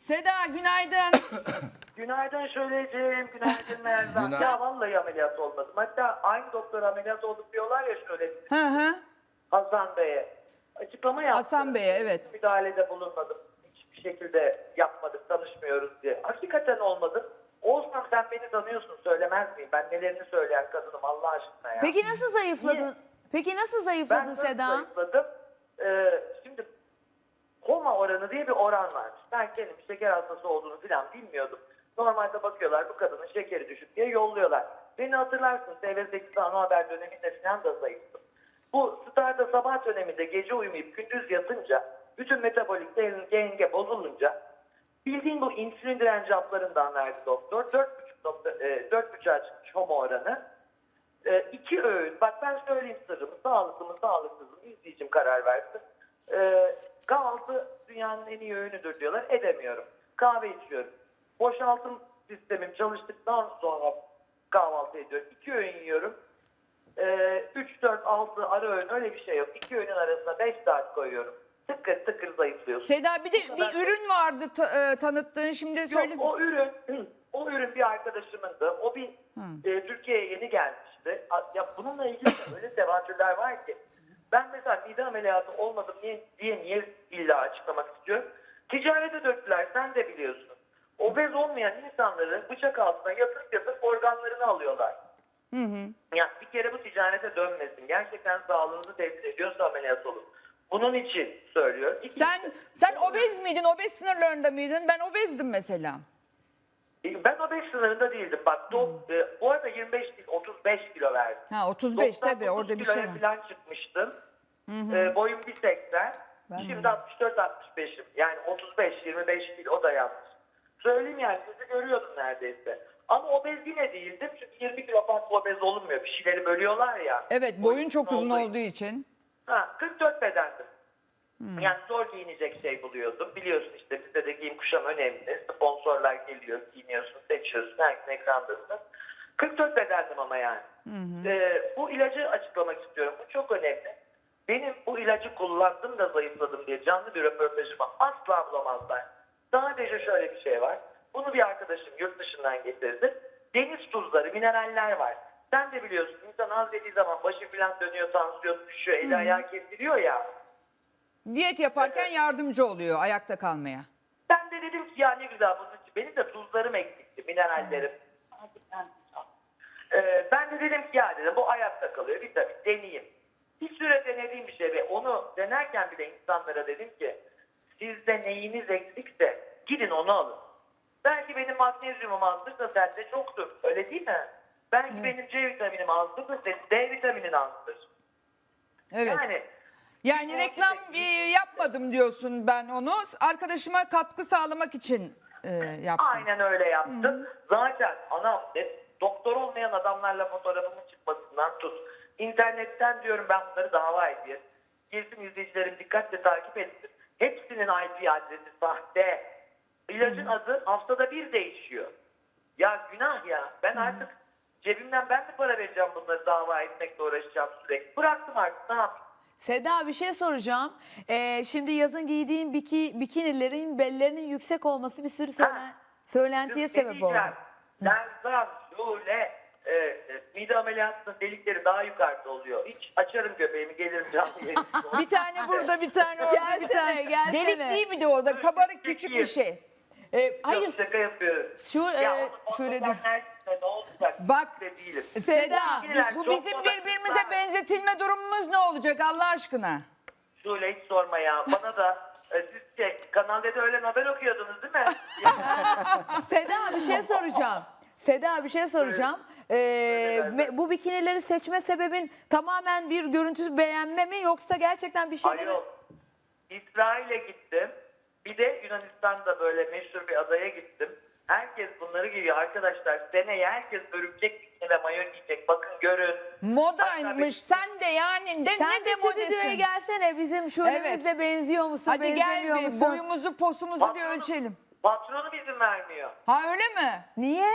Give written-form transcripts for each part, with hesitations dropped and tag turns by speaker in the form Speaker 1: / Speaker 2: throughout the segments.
Speaker 1: Seda günaydın.
Speaker 2: Günaydın Şöleciğim, günaydın Merdan. Ya vallahi ameliyat olmadım. Hatta aynı doktor ameliyat olduk diyorlar ya şöyle
Speaker 1: Hı hı.
Speaker 2: Hasan Bey'e. Açıklama yaptı.
Speaker 1: Hasan Bey'e, evet.
Speaker 2: Müdahalede bulunmadım. Hiçbir şekilde yapmadık, tanışmıyoruz diye. Hakikaten olmadım. Olsam sen beni tanıyorsun, söylemez miyim? Ben nelerini söyleyen kadınım Allah aşkına ya.
Speaker 3: Peki nasıl zayıfladın?
Speaker 2: Niye?
Speaker 3: Peki nasıl
Speaker 2: Ben
Speaker 3: zayıfladın
Speaker 2: nasıl
Speaker 3: Seda?
Speaker 2: zayıfladım? Şimdi koma oranı diye bir oran varmış. Ben kendim şeker hastası olduğunu falan bilmiyordum. Normalde bakıyorlar bu kadının şekeri düşük diye yolluyorlar. Beni hatırlarsın TV8 ana haber döneminde falan da zayıftım. Bu Star'da sabah döneminde gece uyumayıp gündüz yatınca bütün metabolik denge bozulunca bildiğin bu insülin direnci haplarından verdi doktor. 4,5'a çıkmış homo oranı. 2 öğün, bak ben söyleyeyim sırrımı, sağlıklı mı sağlıksız mı izleyicim karar versin. Kahvaltı dünyanın en iyi öğünüdür diyorlar, edemiyorum. Kahve içiyorum. Boşaltım sistemim çalıştıktan sonra kahvaltı ediyorum. 2 öğün yiyorum. 3, 4, 6 ara öğün öyle bir şey yok. 2 öğünün arasına 5 saat koyuyorum. Tıkır tıkır zayıflıyorsun.
Speaker 1: Seda bir de bir ürün vardı tanıttığın şimdi söyle.
Speaker 2: Yok, o ürün bir arkadaşımındı. O bir Türkiye'ye yeni gelmişti. Ya bununla ilgili de öyle tevatürler var ki. Ben mesela mide ameliyatı olmadım niye illa açıklamak istiyorum. Ticarete döktüler, sen de biliyorsun. Obez olmayan insanları bıçak altına yatıp organlarını alıyorlar. Ya bir kere bu ticarete dönmesin. Gerçekten sağlığınızı tehdit ediyorsa ameliyat olun. Bunun için söylüyorum.
Speaker 1: Sen obez miydin? Obez sınırlarında mıydın? Ben obezdim mesela.
Speaker 2: Ben obez sınırında değildim. Bak bu arada 25 değil 35 kilo verdim.
Speaker 1: Ha 35 tabii
Speaker 2: 99
Speaker 1: orada bir şey
Speaker 2: kiloya
Speaker 1: var.
Speaker 2: falan çıkmıştım. Boyum 1,80. Şimdi 64-65'im. Yani 35-25 değil o da yanlış. Söyleyeyim yani sizi görüyordum neredeyse. Ama obez yine değildim. Çünkü 20 kilo fazla obez olunmuyor. Bir şeyleri bölüyorlar ya.
Speaker 1: Evet boyun çok uzun olduğu için.
Speaker 2: 44 bedendim. Yani zor giyinecek şey buluyordum. Biliyorsun işte bizde de giyim kuşam önemli. Sponsorlar geliyor, giyiniyorsun, seçiyorsun. Herkesin ekrandasın. 44 bedendim ama yani. Bu ilacı açıklamak istiyorum. Bu çok önemli. Benim bu ilacı kullandım da zayıfladım diye canlı bir röportajımı asla bulamazlar. Sadece şöyle bir şey var. Bunu bir arkadaşım yurt dışından getirdi. Deniz tuzları, mineraller var. Sen de biliyorsun insan az yediği zaman başı falan dönüyor, tansiyon düşüyor, eli ayağı kesiliyor ya.
Speaker 1: Diyet yaparken yardımcı oluyor ayakta kalmaya.
Speaker 2: Ben de dedim ki ya ne güzel bunun için. Benim de tuzlarım eksikti, minerallerim. Ben de dedim ki ya dedim bu ayakta kalıyor. Bir tabii deneyeyim. Bir süre denediğim bir şey ve onu denerken bile insanlara dedim ki sizde neyiniz eksikse gidin onu alın. Belki benim magnezyumum azdır da sende çoktur. Öyle değil mi? Belki benim C vitaminim azdır da senin D vitaminin azdır.
Speaker 1: Evet. Yani reklam yapmadım diyorsun ben onu. Arkadaşıma katkı sağlamak için yaptım.
Speaker 2: Aynen öyle yaptım. Zaten doktor olmayan adamlarla fotoğrafımın çıkmasından tut. İnternetten diyorum ben bunları dava edeyim. Girsin izleyicilerim dikkatle takip etsin. Hepsinin IP adresi sahte. İlacın adı haftada bir değişiyor. Ya günah ya. Ben artık cebimden ben de para vereceğim bunları dava etmekle uğraşacağım sürekli. Bıraktım artık ne yapayım.
Speaker 3: Seda bir şey soracağım. Şimdi yazın giydiğin bikinilerin bellerinin yüksek olması bir sürü söylentiye sebep oldu.
Speaker 2: Lerzan, şöyle mide ameliyatının delikleri daha yukarıda oluyor. Hiç açarım göbeğimi gelirim canlı yayın.
Speaker 1: Bir tane burada bir tane orada bir tane.
Speaker 3: Gelsene.
Speaker 1: Delik değil mi de o da kabarık küçük bir şey.
Speaker 3: Hayır.
Speaker 2: Yok, şaka yapıyorum.
Speaker 3: Şöyle dur.
Speaker 2: Ne olacak?
Speaker 1: Bak
Speaker 2: değilim.
Speaker 1: Seda bu
Speaker 2: Çok
Speaker 1: bizim
Speaker 2: bana
Speaker 1: birbirimize
Speaker 2: kızlar.
Speaker 1: benzetilme durumumuz ne olacak Allah aşkına?
Speaker 2: Şöyle hiç sorma ya. Bana da siz Kanal D'de öğlen haber okuyordunuz değil mi?
Speaker 3: Seda bir şey soracağım. Seda bir şey soracağım. Bu bikinileri seçme sebebin tamamen bir görüntü beğenme mi yoksa gerçekten bir şeyleri...
Speaker 2: Hayır. İsrail'e gittim. Bir de Yunanistan'da böyle meşhur bir adaya gittim. Herkes bunları giyiyor arkadaşlar. Seneye herkes örümcek bikini ve mayo giyecek. Bakın görün.
Speaker 1: Modaymış sen de yani
Speaker 3: Sen
Speaker 1: ne
Speaker 3: de
Speaker 1: de
Speaker 3: stüdyoya
Speaker 1: modesin.
Speaker 3: gelsene bizim şölemizle
Speaker 1: Evet.
Speaker 3: benziyor musun
Speaker 1: Hadi gel
Speaker 3: benzemiyor
Speaker 1: bir
Speaker 3: musun?
Speaker 1: boyumuzu posumuzu bir ölçelim.
Speaker 2: Patronum izin vermiyor.
Speaker 1: Ha öyle mi?
Speaker 3: Niye?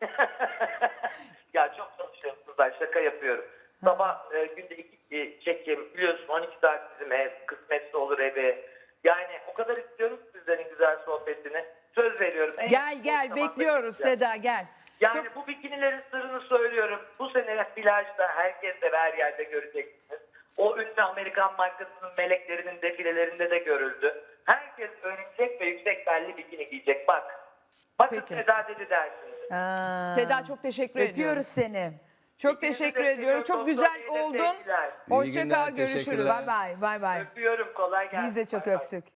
Speaker 2: Ya çok çalışıyorum kızlar, şaka yapıyorum. Sabah günde 2 çekim biliyorsun 12 saat bizim ev, kısmetse olur evi. Yani o kadar istiyoruz sizlerin güzel sohbetini. Söz veriyorum. En
Speaker 1: Gel
Speaker 2: yakın
Speaker 1: gel
Speaker 2: zamanda
Speaker 1: bekliyoruz
Speaker 2: gideceğim.
Speaker 1: Seda gel.
Speaker 2: Yani bu bikinilerin sırrını söylüyorum. Bu sene plajda herkes de her yerde göreceksiniz. O ünlü Amerikan markasının meleklerinin defilelerinde de görüldü. Herkes örümcek ve yüksek belli bikini giyecek. Bak. Bakın
Speaker 1: Peki.
Speaker 2: Seda dedi dersiniz.
Speaker 1: Seda çok teşekkür ediyoruz.
Speaker 3: Öpüyoruz seni.
Speaker 1: Çok
Speaker 2: İkinizi
Speaker 1: teşekkür
Speaker 2: de
Speaker 1: ediyoruz. Çok
Speaker 2: seviyorum,
Speaker 1: güzel
Speaker 2: doktor, iyi de
Speaker 1: oldun.
Speaker 2: sevgiler.
Speaker 1: Hoşça
Speaker 4: İyi günler,
Speaker 1: kal, görüşürüz.
Speaker 4: teşekkürler.
Speaker 3: Bay bay. Bay bay.
Speaker 2: Öpüyorum, kolay gelsin.
Speaker 3: Biz de çok
Speaker 2: Bay bay.
Speaker 3: öptük.